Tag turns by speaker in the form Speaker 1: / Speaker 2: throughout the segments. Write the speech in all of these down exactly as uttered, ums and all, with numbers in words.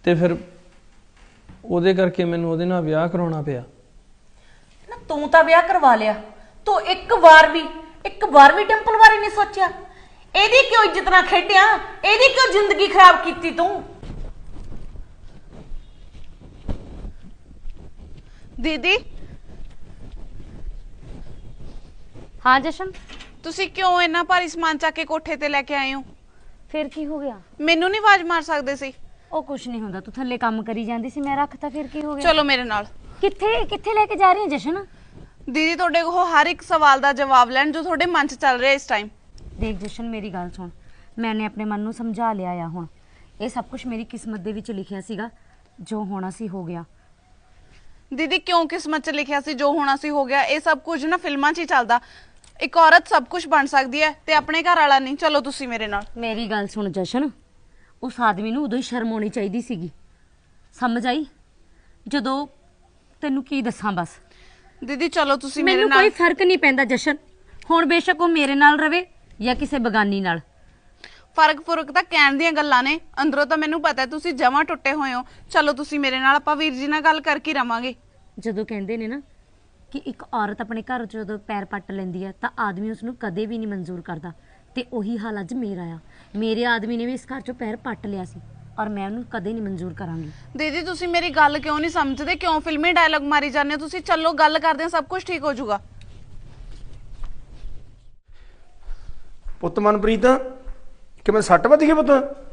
Speaker 1: ਤੇ ਫਿਰ ਉਹਦੇ ਕਰਕੇ ਮੈਨੂੰ ਉਹਦੇ ਨਾਲ ਵਿਆਹ ਕਰਾਉਣਾ ਪਿਆ।
Speaker 2: ਨਾ ਤੂੰ ਤਾਂ ਵਿਆਹ ਕਰਵਾ ਲਿਆ, ਤੂੰ ਇੱਕ ਵਾਰ ਵੀ ਇੱਕ ਵਾਰ ਵੀ ਡਿੰਪਲ ਬਾਰੇ ਨਹੀਂ ਸੋਚਿਆ? ਇਹਦੀ ਕਿਉਂ ਇੱਜ਼ਤ ਨਾਲ ਖੇਡਿਆ? ਇਹਦੀ ਕਿਉਂ ਜ਼ਿੰਦਗੀ ਖਰਾਬ ਕੀਤੀ ਤੂੰ?
Speaker 3: ਦੀਦੀ
Speaker 4: हाँ जशन,
Speaker 3: ਤੁਸੀਂ ਕਿਉਂ ਇੰਨਾ ਭਾਰੀ ਸਮਾਨ ਚੱਕ ਕੇ ਕੋਠੇ ਤੇ ਲੈ ਕੇ ਆਏ ਹੋ?
Speaker 4: फिर की हो गया?
Speaker 3: ਮੈਨੂੰ ਨਹੀਂ ਆਵਾਜ਼ ਮਾਰ ਸਕਦੇ ਸੀ?
Speaker 4: ਉਹ ਕੁਛ ਨਹੀਂ ਹੁੰਦਾ, ਤੂੰ ਥੱਲੇ ਕੰਮ ਕਰੀ ਜਾਂਦੀ ਸੀ, ਮੈਂ ਰੱਖਤਾ, ਫਿਰ ਕੀ ਹੋ ਗਿਆ?
Speaker 3: ਚਲੋ ਮੇਰੇ ਨਾਲ।
Speaker 4: ਕਿੱਥੇ ਕਿੱਥੇ ਲੈ ਕੇ ਜਾ ਰਹੀ ਹੈ ਜਸ਼ਨ?
Speaker 3: ਦੀਦੀ ਤੁਹਾਡੇ ਕੋਲ ਹਰ ਇੱਕ ਸਵਾਲ ਦਾ ਜਵਾਬ ਲੈਣ ਜੋ ਤੁਹਾਡੇ ਮਨ 'ਚ ਚੱਲ ਰਿਹਾ ਇਸ ਟਾਈਮ।
Speaker 4: ਦੇਖ ਜਸ਼ਨ, ਮੇਰੀ ਗੱਲ ਸੁਣ, ਮੈਨੇ ਆਪਣੇ ਮਨ ਨੂੰ ਸਮਝਾ ਲਿਆ ਆ। ਹੁਣ ਇਹ ਸਭ ਕੁਝ ਮੇਰੀ ਕਿਸਮਤ ਦੇ ਵਿੱਚ ਲਿਖਿਆ ਸੀਗਾ, ਜੋ ਹੋਣਾ ਸੀ ਹੋ ਗਿਆ।
Speaker 3: ਦੀਦੀ ਕਿਉਂ ਕਿਸਮਤ 'ਚ ਲਿਖਿਆ ਸੀ ਜੋ ਹੋਣਾ ਸੀ ਹੋ ਗਿਆ? ਇਹ ਸਭ ਕੁਝ ਨਾ ਫਿਲਮਾਂ 'ਚ ਹੀ ਚੱਲਦਾ। ਇੱਕ ਔਰਤ ਸਭ ਕੁਝ ਬਣ ਸਕਦੀ ਹੈ ਤੇ ਆਪਣੇ ਘਰ ਵਾਲਾ ਨਹੀਂ। ਚਲੋ ਤੁਸੀਂ ਮੇਰੇ ਨਾਲ।
Speaker 4: ਮੇਰੀ ਗੱਲ ਸੁਣ ਜਸ਼ਨ, ਉਸ ਆਦਮੀ ਨੂੰ ਉਦੋਂ ਹੀ ਸ਼ਰਮ ਆਉਣੀ ਚਾਹੀਦੀ ਸੀਗੀ, ਸਮਝ ਆਈ? ਜਦੋਂ ਤੈਨੂੰ ਕੀ ਦੱਸਾਂ, ਬਸ
Speaker 3: ਦੀਦੀ ਚਲੋ ਤੁਸੀਂ ਮੇਰੇ
Speaker 4: ਮੈਨੂੰ
Speaker 3: ਨਾਲ।
Speaker 4: ਕੋਈ ਫਰਕ ਨਹੀਂ ਪੈਂਦਾ ਜਸ਼ਨ, ਹੁਣ ਬੇਸ਼ੱਕ ਉਹ ਮੇਰੇ ਨਾਲ ਰਵੇ ਜਾਂ ਕਿਸੇ ਬਗਾਨੀ ਨਾਲ।
Speaker 3: ਫਰਕ ਫੁਰਕ ਤਾਂ ਕਹਿਣ ਦੀਆਂ ਗੱਲਾਂ ਨੇ, ਅੰਦਰੋਂ ਤਾਂ ਮੈਨੂੰ ਪਤਾ ਤੁਸੀਂ ਜਮਾਂ ਟੁੱਟੇ ਹੋਏ ਹੋ। ਚਲੋ ਤੁਸੀਂ ਮੇਰੇ ਨਾਲ, ਆਪਾਂ ਵੀਰ ਜੀ ਨਾਲ ਗੱਲ ਕਰਕੇ ਰਵਾਂਗੇ।
Speaker 4: ਜਦੋਂ ਕਹਿੰਦੇ ਨੇ ਨਾ ਕਿ ਇੱਕ ਔਰਤ ਆਪਣੇ ਘਰ 'ਚ ਜਦੋਂ ਪੈਰ ਪੱਟ ਲੈਂਦੀ ਹੈ ਤਾਂ ਆਦਮੀ ਉਸ ਨੂੰ ਕਦੇ ਵੀ ਨਹੀਂ ਮਨਜ਼ੂਰ ਕਰਦਾ, ਤੇ ਉਹੀ ਹਾਲ ਅੱਜ ਮੇਰਾ ਆ। ਮੇਰੇ ਆਦਮੀ ਨੇ ਵੀ ਇਸ ਘਰ 'ਚੋਂ ਪੈਰ ਪੱਟ ਲਿਆ ਸੀ, ਔਰ ਮੈਂ ਉਹਨੂੰ ਕਦੇ ਨਹੀਂ ਮਨਜ਼ੂਰ ਕਰਾਂਗੀ।
Speaker 3: ਦੀਦੀ ਤੁਸੀਂ ਮੇਰੀ ਗੱਲ ਕਿਉਂ ਨਹੀਂ ਸਮਝਦੇ? ਕਿਉਂ ਫਿਲਮੀ ਡਾਇਲੌਗ ਮਾਰੀ ਜਾਂਦੇ ਹੋ ਤੁਸੀਂ? ਚਲੋ ਗੱਲ ਕਰਦੇ ਹਾਂ, ਸਭ ਕੁਝ ਠੀਕ ਹੋ ਜਾਊਗਾ।
Speaker 5: ਪੁੱਤ ਮਨਪ੍ਰੀਤ, ਕਿਵੇਂ ਸੱਟ ਵੱਜ ਗਈ ਪੁੱਤ?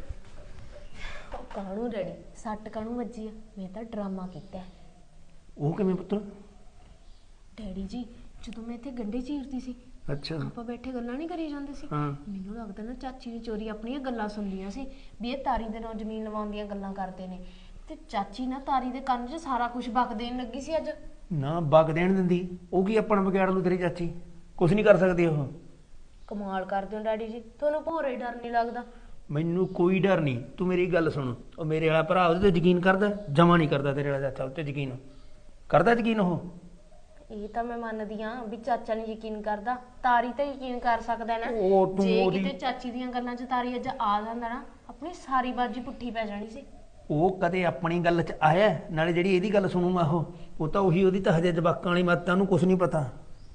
Speaker 2: ਕਾਹਨੂੰ ਡੈਡੀ ਸੱਟ ਕਾਹਨੂੰ ਵੱਜੀ ਆ? ਮੈਂ ਤਾਂ ਡਰਾਮਾ ਕੀਤਾ।
Speaker 5: ਉਹ ਕਿਵੇਂ ਪੁੱਤ?
Speaker 2: ਡੈਡੀ ਜੀ ਜਦੋਂ ਮੈਂ ਇੱਥੇ ਗੰਢੇ ਚੀਰਦੀ ਸੀ,
Speaker 5: ਅੱਛਾ।
Speaker 2: ਆਪਾਂ ਬੈਠੇ ਗੱਲਾਂ ਨਹੀਂ ਕਰੀ ਜਾਂਦੇ ਸੀ,
Speaker 5: ਹਾਂ।
Speaker 2: ਮੈਨੂੰ ਲੱਗਦਾ ਨਾ ਚਾਚੀ ਨੇ ਚੋਰੀ ਆਪਣੀਆਂ ਗੱਲਾਂ ਸੁਣਦੀਆਂ ਸੀ ਵੀ ਇਹ ਤਾਰੀ ਦੇ ਨਾਲ ਜ਼ਮੀਨ ਲਵਾਉਣ ਦੀਆਂ ਗੱਲਾਂ ਕਰਦੇ ਨੇ, ਤੇ ਚਾਚੀ ਨਾ ਤਾਰੀ ਦੇ ਕੰਨ 'ਚ ਸਾਰਾ ਕੁਝ ਬਕ ਦੇਣ ਲੱਗੀ ਸੀ ਅੱਜ।
Speaker 5: ਨਾ ਬਗ ਦੇਣ ਦਿੰਦੀ, ਉਹ ਕੀ ਆਪਣਾ ਵਿਗਾੜ ਲੂ ਤੇਰੀ ਚਾਚੀ? ਕੁਛ ਨਹੀਂ ਕਰ ਸਕਦੀ ਉਹ।
Speaker 2: ਕਮਾਲ ਕਰਦੇ ਹੋ ਡੈਡੀ ਜੀ, ਤੁਹਾਨੂੰ ਭੋਰੇ ਡਰ ਨਹੀਂ ਲੱਗਦਾ?
Speaker 5: ਮੈਨੂੰ ਕੋਈ ਡਰ ਨਹੀਂ। ਤੂੰ ਮੇਰੀ ਗੱਲ ਸੁਣ, ਉਹ ਮੇਰੇ ਵਾਲਾ ਭਰਾ ਉਹਦੇ ਤੇ ਯਕੀਨ ਕਰਦਾ? ਜਮਾ ਨਹੀਂ ਕਰਦਾ ਤੇਰੇ ਵਾਲਾ ਚਾਚਾ, ਉਹ ਤੇ ਯਕੀਨ ਕਰਦਾ? ਯਕੀਨ ਉਹ
Speaker 2: ਇਹ ਤਾਂ ਮੈਂ ਮੰਨਦੀ ਆ ਵੀ ਚਾਚਾ ਨੇ ਯਕੀਨ ਕਰਦਾ, ਤਾਰੀ ਤਾਂ ਯਕੀਨ ਕਰ ਸਕਦਾ ਨਾ।
Speaker 5: ਉਹ ਤੂੰ
Speaker 2: ਜੇ
Speaker 5: ਉਹਦੀ-
Speaker 2: ਕਿਤੇ ਚਾਚੀ ਦੀਆਂ ਗੱਲਾਂ 'ਚ ਤਾਰੀ ਅੱਜ ਆ ਜਾਂਦਾ ਨਾ, ਆਪਣੀ ਸਾਰੀ ਬਾਜੀ ਪੁੱਠੀ ਪੈ ਜਾਣੀ ਸੀ।
Speaker 5: ਉਹ ਕਦੇ ਆਪਣੀ ਗੱਲ 'ਚ ਆਇਆ? ਨਾਲੇ ਜਿਹੜੀ ਇਹਦੀ ਗੱਲ ਸੁਣੂਗਾ ਉਹ ਉਹ ਤਾਂ ਉਹੀ, ਉਹਦੀ ਤਾਂ ਹਜੇ ਜਵਾਕਾਂ ਵਾਲੀ ਮੱਤ, ਉਹਨੂੰ ਕੁਛ ਨਹੀਂ ਪਤਾ।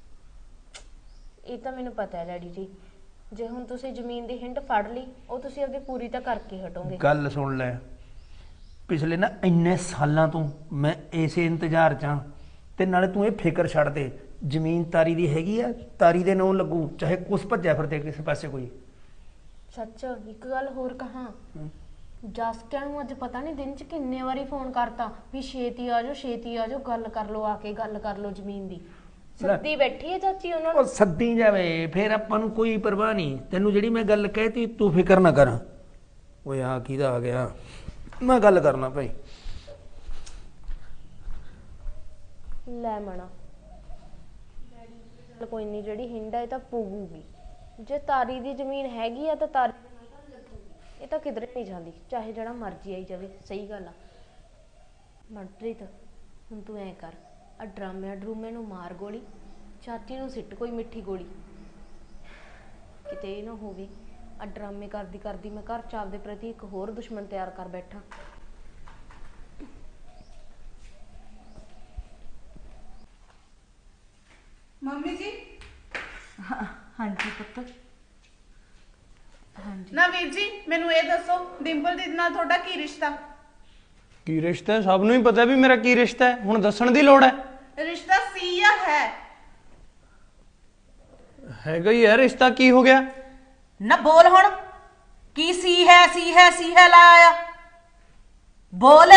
Speaker 2: ਇਹ ਤਾਂ ਮੈਨੂੰ ਪਤਾ ਹੈ ਡੈਡੀ ਜੀ, ਜੇ ਹੁਣ ਤੁਸੀਂ ਜ਼ਮੀਨ ਦੀ ਹਿੰਡ ਫੜ ਲਈ, ਉਹ ਤੁਸੀਂ ਆਪਣੀ ਪੂਰੀ ਤਾਂ ਕਰਕੇ ਹਟੋਗੇ।
Speaker 5: ਗੱਲ ਸੁਣ ਲੈ, ਪਿਛਲੇ ਨਾ ਇੰਨੇ ਸਾਲਾਂ ਤੋਂ ਮੈਂ ਇਸੇ ਇੰਤਜ਼ਾਰ 'ਚ ਹਾਂ, ਤੇ ਨਾਲੇ ਤੂੰ ਇਹ ਫਿਕਰ ਛੱਡ ਦੇ, ਜ਼ਮੀਨ ਤਾਰੀ ਦੀ ਹੈਗੀ ਆ, ਤਾਰੀ ਦੇ ਨਾਂ ਲੱਗੂ, ਚਾਹੇ ਕੁਛ ਭੱਜਿਆ ਫਿਰਦੇ ਕਿਸੇ ਪਾਸੇ ਕੋਈ।
Speaker 2: ਸੱਚ ਇੱਕ ਗੱਲ ਹੋਰ ਕਹਾਂ, ਜਸਕਿਆਂ ਨੂੰ ਅੱਜ ਪਤਾ ਨਹੀਂ ਦਿਨ 'ਚ ਕਿੰਨੇ ਵਾਰੀ ਫੋਨ ਕਰਤਾ ਵੀ ਛੇਤੀ ਆ ਜਾਓ, ਛੇਤੀ ਆ ਜਾਓ, ਗੱਲ ਕਰ ਲਓ, ਆ ਕੇ ਗੱਲ ਕਰ ਲਓ ਜ਼ਮੀਨ ਦੀ। ਸੱਦੀ ਬੈਠੀ ਹੈ ਚਾਚੀ ਉਹਨਾਂ ਨੂੰ।
Speaker 5: ਉਹ ਸੱਦੀ ਜਾਵੇ, ਫਿਰ ਆਪਾਂ ਨੂੰ ਕੋਈ ਪਰਵਾਹ ਨਹੀਂ। ਤੈਨੂੰ ਜਿਹੜੀ ਮੈਂ ਗੱਲ ਕਹਿਤੀ ਤੂੰ ਫਿਕਰ ਨਾ ਕਰ। ਓਏ ਆ ਕਿਹਦਾ ਆ ਗਿਆ, ਮੈਂ ਗੱਲ ਕਰਨਾ ਭਾਈ।
Speaker 2: ਲੈ ਮਣਾ ਚੱਲ ਕੋਈ ਨਹੀਂ, ਜਿਹੜੀ ਹਿੰਡ ਹੈ ਇਹ ਤਾਂ ਪੂਗੂਗੀ। ਜੇ ਤਾਰੀ ਦੀ ਜ਼ਮੀਨ ਹੈਗੀ ਆ ਤਾਂ ਤਾਰੀ ਇਹ ਤਾਂ ਕਿਧਰੇ ਨਹੀਂ ਜਾਂਦੀ, ਚਾਹੇ ਜਿਹੜਾ ਮਰਜ਼ੀ ਆਈ ਜਾਵੇ। ਸਹੀ ਗੱਲ ਆ ਮਨਪ੍ਰੀਤ, ਹੁਣ ਤੂੰ ਐ ਕਰ, ਆ ਡਰਾਮਿਆਂ ਡਰੂਮੇ ਨੂੰ ਮਾਰ ਗੋਲੀ, ਚਾਚੀ ਨੂੰ ਸਿੱਟ ਕੋਈ ਮਿੱਠੀ ਗੋਲੀ। ਕਿਤੇ ਇਹ ਨਾ ਹੋਵੇ ਆ ਡਰਾਮੇ ਕਰਦੀ ਕਰਦੀ ਮੈਂ ਘਰ ਚ ਆਪਦੇ ਪ੍ਰਤੀ ਇੱਕ ਹੋਰ ਦੁਸ਼ਮਣ ਤਿਆਰ ਕਰ ਬੈਠਾ।
Speaker 3: ਮੰਮੀ ਜੀ।
Speaker 4: ਹਾਂਜੀ ਪੁੱਤ।
Speaker 3: ਹਾਂਜੀ ਨਾ ਵੀਰ ਜੀ, ਮੈਨੂੰ ਇਹ ਦੱਸੋ ਡਿੰਪਲ ਦੀ ਨਾਲ ਤੁਹਾਡਾ ਕੀ ਰਿਸ਼ਤਾ?
Speaker 1: ਕੀ ਰਿਸ਼ਤਾ ਹੈ? ਸਭ ਨੂੰ ਹੀ ਪਤਾ ਵੀ ਮੇਰਾ ਕੀ ਰਿਸ਼ਤਾ ਹੈ, ਹੁਣ ਦੱਸਣ ਦੀ ਲੋੜ ਹੈ?
Speaker 3: ਰਿਸ਼ਤਾ ਸੀ ਜਾਂ ਹੈ?
Speaker 1: ਹੈਗਾ ਹੀ ਹੈ ਰਿਸ਼ਤਾ, ਕੀ ਹੋ ਗਿਆ?
Speaker 2: ਨਾ ਬੋਲ ਹੁਣ, ਕੀ ਸੀ ਹੈ ਸੀ ਹੈ ਸੀ ਹੈ ਲਾਇਆ? ਬੋਲ,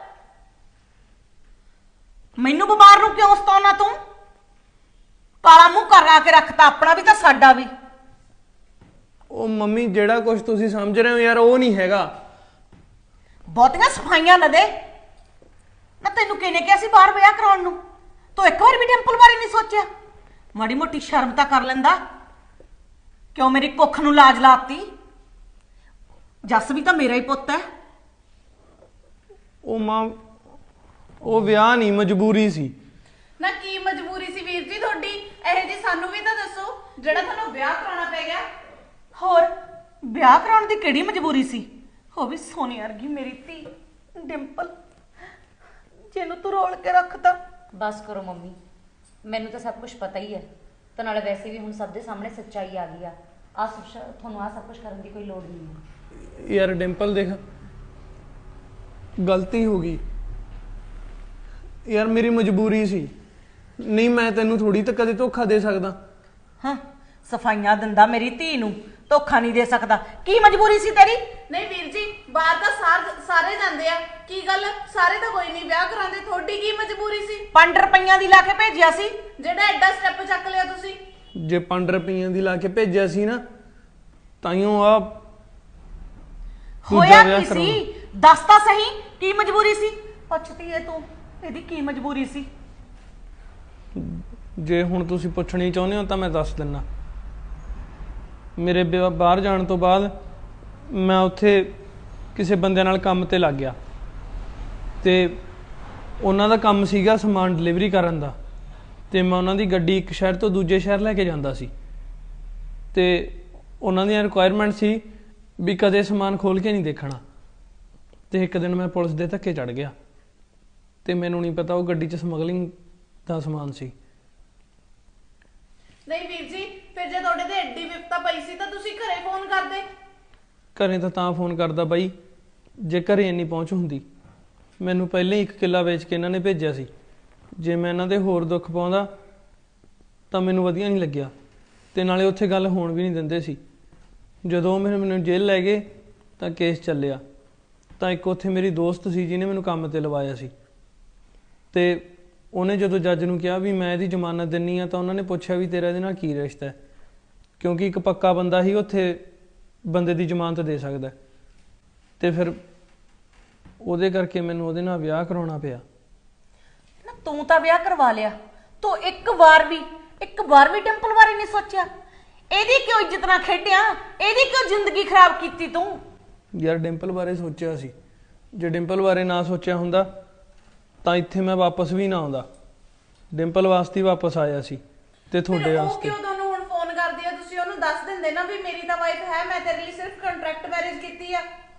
Speaker 2: ਮੈਨੂੰ ਬਿਮਾਰ ਨੂੰ ਕਿਉਂ ਸਤਾਉਣਾ ਤੂੰ? ਕਾਲਾ ਮੂੰਹ ਕਰਾ ਕੇ ਰੱਖਤਾ ਆਪਣਾ ਵੀ ਤਾਂ ਸਾਡਾ ਵੀ।
Speaker 1: ਉਹ ਮੰਮੀ, ਜਿਹੜਾ ਕੁਝ ਤੁਸੀਂ ਸਮਝ ਰਹੇ ਹੋ ਯਾਰ, ਉਹ ਨਹੀਂ ਹੈਗਾ।
Speaker 2: ਬਹੁਤੀਆਂ ਸਫਾਈਆਂ ਨਾ ਦੇ ਨਾ। ਤੈਨੂੰ ਕਿਹਨੇ ਕਿਹਾ ਸੀ ਬਾਹਰ ਵਿਆਹ ਕਰਾਉਣ ਨੂੰ? ਤੂੰ ਇੱਕ ਵਾਰ ਵੀ ਡਿੰਪਲ ਬਾਰੇ ਨਹੀਂ ਸੋਚਿਆ? ਮਾੜੀ ਮੋਟੀ ਸ਼ਰਮ ਤਾਂ ਕਰ ਲੈਂਦਾ। ਕਿਉਂ ਮੇਰੀ ਕੁੱਖ ਨੂੰ ਲਾਜ ਲਾਤੀ? ਜੱਸ ਵੀ ਤਾਂ ਮੇਰਾ ਹੀ ਪੁੱਤ ਹੈ।
Speaker 1: ਉਹ ਮਾਂ, ਉਹ ਵਿਆਹ ਨਹੀਂ, ਮਜਬੂਰੀ ਸੀ।
Speaker 3: ਨਾ ਕੀ ਮਜਬੂਰੀ ਸੀ ਵੀਰ ਜੀ ਤੁਹਾਡੀ? ਇਹ ਜੀ ਸਾਨੂੰ ਵੀ ਤਾਂ ਦੱਸੋ ਜਿਹੜਾ ਤੁਹਾਨੂੰ ਵਿਆਹ ਕਰਾਉਣਾ ਪੈ ਗਿਆ।
Speaker 2: ਹੋਰ ਵਿਆਹ ਕਰਾਉਣ ਦੀ ਕਿਹੜੀ ਮਜਬੂਰੀ ਸੀ? ਉਹ ਵੀ ਸੋਨੇ ਵਰਗੀ ਮੇਰੀ ਧੀ,
Speaker 6: ਡਿੰਪਲ ਜਿਹਨੂੰ ਤੂੰ ਰੋਲ ਕੇ ਰੱਖਤਾ।
Speaker 4: ਬਸ ਕਰੋ ਮੰਮੀ, ਮੈਨੂੰ ਤਾਂ ਸਭ ਕੁਝ ਪਤਾ ਹੀ ਹੈ ਤੇ ਨਾਲੇ ਵੈਸੇ ਵੀ ਹੁਣ ਸਭ ਦੇ ਸਾਹਮਣੇ ਸੱਚਾਈ ਆ ਗਈ ਆ। ਆ ਸਭ ਸ਼- ਤੁਹਾਨੂੰ ਆ ਸਭ ਕੁਝ ਕਰਨ ਦੀ ਕੋਈ ਲੋੜ ਨਹੀਂ ਹੈ।
Speaker 1: ਯਾਰ ਡਿੰਪਲ ਦੇਖ, ਗਲਤੀ ਹੋ ਗਈ ਯਾਰ, ਮੇਰੀ ਮਜਬੂਰੀ ਸੀ। ਨਹੀਂ ਮੈਂ ਤੈਨੂੰ ਥੋੜੀ ਤਾਂ ਕਦੇ ਧੋਖਾ ਦੇ ਸਕਦਾ।
Speaker 6: ਹਾਂ, ਸਫਾਈਆਂ ਦਿੰਦਾ ਮੇਰੀ ਧੀ ਨੂੰ, ਧੋਖਾ ਨਹੀਂ ਦੇ ਸਕਦਾ। ਕੀ ਮਜਬੂਰੀ ਸੀ ਤੇਰੀ?
Speaker 3: ਨਹੀਂ ਵੀਰ ਜੀ, ਬਾਹਰ ਤਾਂ ਸਾਰ- ਸਾਰੇ ਜਾਂਦੇ ਆ, ਕੀ ਗੱਲ ਸਾਰੇ ਤਾਂ ਕੋਈ ਨਹੀਂ ਵਿਆਹ ਕਰਾਉਂਦੇ, ਤੁਹਾਡੀ ਕੀ ਮਜਬੂਰੀ ਸੀ
Speaker 6: ਪੰਜ ਰੁਪਈਆਂ ਦੀ ਲਾ ਕੇ ਭੇਜਿਆ ਸੀ।
Speaker 3: ਜਿਹੜਾ ਐਡਾ ਸਟੈਪ ਚੱਕ ਲਿਆ ਤੁਸੀਂ?
Speaker 1: ਜੇ ਪੰਜ ਰੁਪਈਆਂ ਦੀ ਲਾ ਕੇ ਭੇਜਿਆ ਸੀ ਨਾ, ਤਾਈਓ ਆ
Speaker 6: ਹੋਇਆ ਕੀ ਸੀ? ਦੱਸ ਤਾਂ ਸਹੀ, ਕੀ ਮਜਬੂਰੀ ਸੀ? ਪੁੱਛਦੀ ਏ ਤੂੰ, ਇਹਦੀ ਕੀ ਮਜਬੂਰੀ ਸੀ?
Speaker 1: ਜੇ ਹੁਣ ਤੁਸੀਂ ਪੁੱਛਣੀ ਚਾਹੁੰਦੇ ਹੋ ਤਾਂ ਮੈਂ ਦੱਸ ਦਿੰਨਾ। ਮੇਰੇ ਵਿਆਹ- ਬਾਹਰ ਜਾਣ ਤੋਂ ਬਾਅਦ ਮੈਂ ਉੱਥੇ ਕਿਸੇ ਬੰਦੇ ਨਾਲ ਕੰਮ ਤੇ ਲੱਗ ਗਿਆ ਤੇ ਉਹਨਾਂ ਦਾ ਕੰਮ ਸੀਗਾ ਸਮਾਨ ਡਿਲੀਵਰੀ ਕਰਨ ਦਾ, ਤੇ ਮੈਂ ਉਹਨਾਂ ਦੀ ਗੱਡੀ ਇੱਕ ਸ਼ਹਿਰ ਤੋਂ ਦੂਜੇ ਸ਼ਹਿਰ ਲੈ ਕੇ ਜਾਂਦਾ ਸੀ ਤੇ ਉਹਨਾਂ ਦੀਆਂ ਰਿਕੁਆਇਰਮੈਂਟ ਸੀ ਵੀ ਕਦੇ ਸਮਾਨ ਖੋਲ ਕੇ ਨਹੀਂ ਦੇਖਣਾ। ਤੇ ਇੱਕ ਦਿਨ ਮੈਂ ਪੁਲਿਸ ਦੇ ਧੱਕੇ ਚੜ ਗਿਆ ਤੇ ਮੈਨੂੰ ਨਹੀਂ ਪਤਾ ਉਹ ਗੱਡੀ 'ਚ ਸਮਗਲਿੰਗ ਦਾ ਸਮਾਨ ਸੀ।
Speaker 3: ਨਹੀਂ ਵੀਰ ਜੀ, ਫਿਰ ਜੇ ਤੁਹਾਡੇ ਤੇ ਐਡੀ ਵਿਪਤਾ ਪਈ ਸੀ ਤਾਂ ਤੁਸੀਂ ਘਰੇ ਫੋਨ ਕਰਦੇ।
Speaker 1: ਘਰੇ ਤਾਂ ਤਾਂ ਫੋਨ ਕਰਦਾ ਬਾਈ ਜੇ ਘਰੇ ਇੰਨੀ ਪਹੁੰਚ ਹੁੰਦੀ। ਮੈਨੂੰ ਪਹਿਲਾਂ ਹੀ ਇੱਕ ਕਿੱਲਾ ਵੇਚ ਕੇ ਇਹਨਾਂ ਨੇ ਭੇਜਿਆ ਸੀ। ਜੇ ਮੈਂ ਇਹਨਾਂ ਦੇ ਹੋਰ ਦੁੱਖ ਪਾਉਂਦਾ ਤਾਂ ਮੈਨੂੰ ਵਧੀਆ ਨਹੀਂ ਲੱਗਿਆ, ਤੇ ਨਾਲੇ ਉੱਥੇ ਗੱਲ ਹੋਣ ਵੀ ਨਹੀਂ ਦਿੰਦੇ ਸੀ। ਜਦੋਂ ਮੈਨੂੰ ਮੈਨੂੰ ਜੇਲ੍ਹ ਲੈ ਗਏ ਤਾਂ ਕੇਸ ਚੱਲਿਆ, ਤਾਂ ਇੱਕ ਉੱਥੇ ਮੇਰੀ ਦੋਸਤ ਸੀ ਜਿਹਨੇ ਮੈਨੂੰ ਕੰਮ ਤੇ ਲਵਾਇਆ ਸੀ, ਤੇ ਉਹਨੇ ਜਦੋਂ ਜੱਜ ਨੂੰ ਕਿਹਾ ਵੀ ਮੈਂ ਇਹਦੀ ਜ਼ਮਾਨਤ ਦਿੰਨੀ ਆ ਤਾਂ ਉਹਨਾਂ ਨੇ ਪੁੱਛਿਆ ਵੀ ਤੇਰਾ ਇਹਦੇ ਨਾਲ ਕੀ ਰਿਸ਼ਤਾ ਹੈ, ਕਿਉਂਕਿ ਇੱਕ ਪੱਕਾ ਬੰਦਾ ਹੀ ਉੱਥੇ ਬੰਦੇ ਦੀ ਜ਼ਮਾਨਤ ਦੇ ਸਕਦਾ। ਤੇ ਫਿਰ ਉਹਦੇ ਕਰਕੇ ਮੈਨੂੰ ਉਹਦੇ ਨਾਲ ਵਿਆਹ ਕਰਾਉਣਾ ਪਿਆ।
Speaker 6: ਨਾ ਤੂੰ ਤਾਂ ਵਿਆਹ ਕਰਵਾ ਲਿਆ, ਤੂੰ ਇੱਕ ਵਾਰ ਵੀ ਇੱਕ ਵਾਰ ਵੀ ਡਿੰਪਲ ਬਾਰੇ ਨਹੀਂ ਸੋਚਿਆ? ਇਹਦੀ ਕਿਉਂ ਇੱਜ਼ਤ ਨਾਲ ਖੇਡਿਆ? ਇਹਦੀ ਕਿਉਂ ਜ਼ਿੰਦਗੀ ਖਰਾਬ ਕੀਤੀ ਤੂੰ?
Speaker 1: ਯਾਰ ਡਿੰਪਲ ਬਾਰੇ ਸੋਚਿਆ ਸੀ, ਜੇ ਡਿੰਪਲ ਬਾਰੇ ਨਾ ਸੋਚਿਆ ਹੁੰਦਾ ਤਾਂ ਇੱਥੇ ਮੈਂ ਵਾਪਸ ਵੀ ਨਾ ਆਉਂਦਾ। ਡਿੰਪਲ ਵਾਸਤੇ ਹੀ ਵਾਪਸ ਆਇਆ ਸੀ ਤੇ ਤੁਹਾਡੇ
Speaker 3: ਫਿਰ ਉਹ
Speaker 1: ਵਾਸਤੇ।
Speaker 3: ਕਿਉਂ ਤੁਹਾਨੂੰ ਹੁਣ ਫੋਨ ਕਰਦੀ ਆ? ਤੁਸੀਂ ਉਹਨੂੰ ਦੱਸ ਦਿੰਦੇ ਨਾ ਵੀ ਮੇਰੀ ਤਾਂ ਵਾਈਫ ਹੈ, ਮੈਂ ਤੇਰੇ ਲਈ ਸਿਰਫ ਕੰਟਰੈਕਟ ਮੈਰਿਜ ਕੀਤੀ ਆ।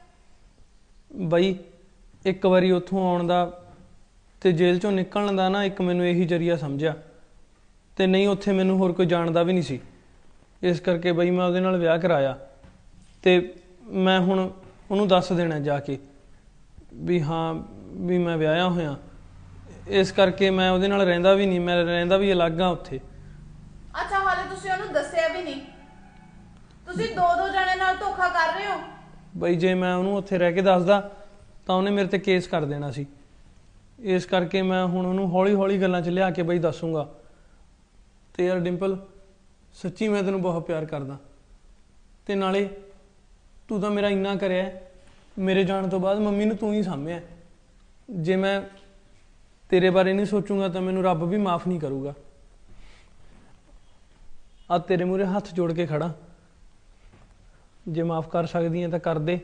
Speaker 1: ਬਈ ਇੱਕ ਵਾਰੀ ਉੱਥੋਂ ਆਉਣ ਦਾ ਤੇ ਜੇਲ੍ਹ ਚੋਂ ਨਿਕਲਣ ਦਾ ਨਾ ਇੱਕ ਮੈਨੂੰ ਇਹੀ ਜਰੀਆ ਸਮਝਿਆ, ਤੇ ਨਹੀਂ ਉੱਥੇ ਮੈਨੂੰ ਹੋਰ ਕੋਈ ਜਾਣਦਾ ਵੀ ਨਹੀਂ ਸੀ। ਇਸ ਕਰਕੇ ਬਈ ਮੈਂ ਉਹਦੇ ਨਾਲ ਵਿਆਹ ਕਰਾਇਆ, ਤੇ ਮੈਂ ਹੁਣ ਉਹਨੂੰ ਦੱਸ ਦੇਣਾ ਜਾ ਕੇ ਵੀ ਹਾਂ ਵੀ ਮੈਂ ਵਿਆਹਿਆ ਹੋਇਆ। ਇਸ ਕਰਕੇ ਮੈਂ ਉਹਦੇ ਨਾਲ ਰਹਿੰਦਾ ਵੀ ਨਹੀਂ, ਮੈਂ ਰਹਿੰਦਾ ਵੀ ਅਲੱਗ ਆ ਉੱਥੇ।
Speaker 3: ਅੱਛਾ, ਹਾਲੇ ਤੁਸੀਂ ਉਹਨੂੰ ਦੱਸਿਆ ਵੀ ਨਹੀਂ? ਤੁਸੀਂ ਦੋ ਦੋ ਜਣੇ ਨਾਲ ਧੋਖਾ ਕਰ ਰਹੇ ਹੋ।
Speaker 1: ਬਈ ਜੇ ਮੈਂ ਉਹਨੂੰ ਉੱਥੇ ਰਹਿ ਕੇ ਦੱਸਦਾ ਤਾਂ ਉਹਨੇ ਮੇਰੇ ਤੇ ਕੇਸ ਕਰ ਦੇਣਾ ਸੀ। ਇਸ ਕਰਕੇ ਮੈਂ ਹੁਣ ਉਹਨੂੰ ਹੌਲੀ ਹੌਲੀ ਗੱਲਾਂ 'ਚ ਲਿਆ ਕੇ ਬਈ ਦੱਸੂਗਾ। ਤੇ ਯਾਰ ਡਿੰਪਲ, ਸੱਚੀ ਮੈਂ ਤੈਨੂੰ ਬਹੁਤ ਪਿਆਰ ਕਰਦਾ, ਤੇ ਨਾਲੇ ਤੂੰ ਤਾਂ ਮੇਰਾ ਇੰਨਾ ਕਰਿਆ, ਮੇਰੇ ਜਾਣ ਤੋਂ ਬਾਅਦ ਮੰਮੀ ਨੂੰ ਤੂੰ ਹੀ ਸਾਂਭਿਆ। ਜੇ ਮੈਂ ਤੇਰੇ ਬਾਰੇ ਨਹੀਂ ਸੋਚੂਗਾ ਤਾਂ ਮੈਨੂੰ ਰੱਬ ਵੀ ਮਾਫ ਨਹੀਂ ਕਰੂਗਾ। ਆ ਤੇਰੇ ਮੂਹਰੇ ਹੱਥ ਜੋੜ ਕੇ ਖੜਾ, ਜੇ ਮਾਫ ਕਰ ਸਕਦੀ ਹੈ ਤਾਂ ਕਰ ਦੇ।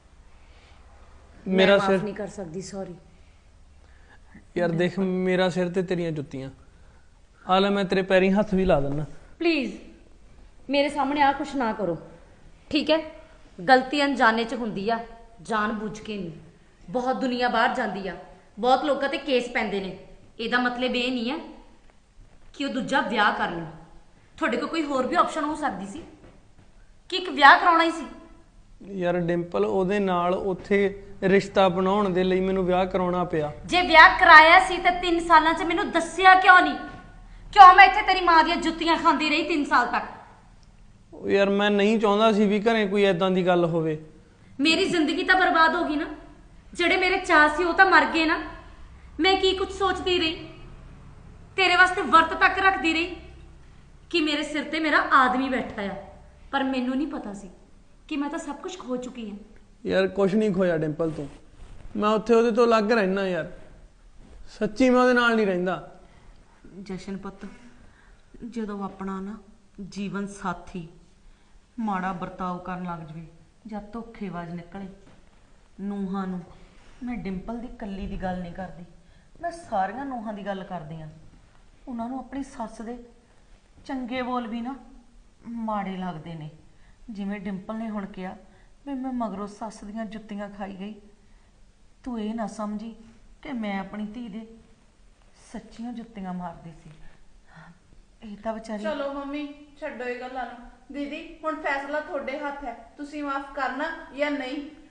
Speaker 1: ਮੇਰਾ
Speaker 4: ਮਾਫ
Speaker 1: ਸਿਰ
Speaker 4: ਨਹੀਂ ਕਰ ਸਕਦੀ, ਸੌਰੀ।
Speaker 1: ਯਾਰ ਦੇਖ, ਮੇਰਾ ਸਿਰ ਤੇ ਤੇਰੀਆਂ ਜੁੱਤੀਆਂ। ਆ ਲੈ ਮੈਂ ਤੇਰੇ ਪੈਰੀਂ ਹੱਥ ਵੀ ਲਾ ਦਿੰਦਾ।
Speaker 4: ਪਲੀਜ਼ ਮੇਰੇ ਸਾਹਮਣੇ ਆ ਕੁਛ ਨਾ ਕਰੋ, ਠੀਕ ਹੈ? ਗਲਤੀ ਅਣਜਾਣੇ 'ਚ ਹੁੰਦੀ ਆ, ਜਾਣ ਬੁੱਝ ਕੇ ਨਹੀਂ। ਬਹੁਤ ਦੁਨੀਆ ਬਾਹਰ ਜਾਂਦੀ ਆ, ਬਹੁਤ ਲੋਕਾਂ ਤੇ ਕੇਸ ਪੈਂਦੇ ਨੇ। ਇਹਦਾ ਮਤਲਬ ਇਹ ਨਹੀਂ ਹੈ ਕਿ ਉਹ ਦੂਜਾ ਵਿਆਹ ਕਰ ਲੈਣ। ਤੁਹਾਡੇ ਕੋਲ ਕੋਈ ਹੋਰ ਵੀ ਆਪਸ਼ਨ ਹੋ ਸਕਦੀ ਸੀ ਕਿ ਇੱਕ ਵਿਆਹ ਕਰਾਉਣਾ ਹੀ ਸੀ।
Speaker 1: ਯਾਰ ਡਿੰਪਲ, ਉਹਦੇ ਨਾਲ ਉੱਥੇ ਰਿਸ਼ਤਾ ਬਣਾਉਣ ਦੇ ਲਈ ਮੈਨੂੰ ਵਿਆਹ ਕਰਾਉਣਾ ਪਿਆ।
Speaker 4: ਜੇ ਵਿਆਹ ਕਰਾਇਆ ਸੀ ਤਾਂ ਤਿੰਨ ਸਾਲਾਂ 'ਚ ਮੈਨੂੰ ਦੱਸਿਆ ਕਿਉਂ ਨਹੀਂ? ਕਿਉਂ ਮੈਂ ਇੱਥੇ ਤੇਰੀ ਮਾਂ ਦੀਆਂ ਜੁੱਤੀਆਂ ਖਾਂਦੀ ਰਹੀ ਤਿੰਨ ਸਾਲ ਤੱਕ?
Speaker 1: ਉਹ ਯਾਰ ਮੈਂ ਨਹੀਂ ਚਾਹੁੰਦਾ ਸੀ ਵੀ ਘਰੇ ਕੋਈ ਐਦਾਂ ਦੀ ਗੱਲ ਹੋਵੇ।
Speaker 4: ਮੇਰੀ ਜ਼ਿੰਦਗੀ ਤਾਂ ਬਰਬਾਦ ਹੋ ਗਈ ਨਾ। ਜਿਹੜੇ ਮੇਰੇ ਚਾਅ ਸੀ ਉਹ ਤਾਂ ਮਰ ਗਏ ਨਾ। ਮੈਂ ਕੀ ਕੁਝ ਸੋਚਦੀ ਰਹੀ, ਤੇਰੇ ਵਾਸਤੇ ਵਰਤ ਤੱਕ ਰੱਖਦੀ ਰਹੀ ਕਿ ਮੇਰੇ ਸਿਰ ਤੇ ਮੇਰਾ ਆਦਮੀ ਬੈਠਾ ਆ, ਪਰ ਮੈਨੂੰ ਨਹੀਂ ਪਤਾ ਸੀ ਕਿ ਮੈਂ ਤਾਂ ਸਭ ਕੁਝ ਖੋ ਚੁੱਕੀ ਹਾਂ।
Speaker 1: ਯਾਰ ਕੁਛ ਨਹੀਂ ਖੋਇਆ ਡਿੰਪਲ ਤੂੰ, ਮੈਂ ਉੱਥੇ ਉਹਦੇ ਤੋਂ ਅਲੱਗ ਰਹਿਣਾ। ਯਾਰ ਸੱਚੀ ਮੈਂ ਉਹਦੇ ਨਾਲ ਨਹੀਂ ਰਹਿੰਦਾ।
Speaker 6: ਜਸ਼ਨ ਪੁੱਤ, ਜਦੋਂ ਆਪਣਾ ਨਾ ਜੀਵਨ ਸਾਥੀ ਮਾੜਾ ਵਰਤਾਓ ਕਰਨ ਲੱਗ ਜਵੇ ਜਾਂ ਧੋਖੇਬਾਜ਼ ਨਿਕਲੇ, ਨੂੰਹਾਂ ਨੂੰ, ਮੈਂ ਡਿੰਪਲ ਦੀ ਕੱਲੀ ਦੀ ਗੱਲ ਨਹੀਂ ਕਰਦੀ, ਮੈਂ ਸਾਰੀਆਂ ਨੂੰਹਾਂ ਦੀ ਗੱਲ ਕਰਦੀ ਆ। ਉਹਨਾਂ ਨੂੰ ਆਪਣੀ ਸੱਸ ਦੇ ਚੰਗੇ ਬੋਲ ਵੀ ਨਾ ਮਾੜੇ ਲੱਗਦੇ ਨੇ। ਜਿਵੇਂ ਡਿੰਪਲ ਨੇ ਹੁਣ ਕਿਹਾ ਵੀ ਮੈਂ ਮਗਰੋਂ ਸੱਸ ਦੀਆਂ ਜੁੱਤੀਆਂ ਖਾਈ ਗਈ, ਤੂੰ ਇਹ ਨਾ ਸਮਝੀ ਕਿ ਮੈਂ ਆਪਣੀ ਧੀ ਦੇ ਸੱਚੀਆਂ ਜੁੱਤੀਆਂ ਮਾਰਦੀ ਸੀ। ਇਹ ਤਾਂ ਵਿਚਾਰੀ
Speaker 3: ਚਲੋ ਮੰਮੀ ਛੱਡੋ ਇਹ ਗੱਲਾਂ ਨੂੰ। ਦੀਦੀ ਹੁਣ ਫੈਸਲਾ ਤੁਹਾਡੇ ਹੱਥ ਹੈ, ਤੁਸੀਂ ਮਾਫ ਕਰਨਾ ਜਾਂ ਨਹੀਂ।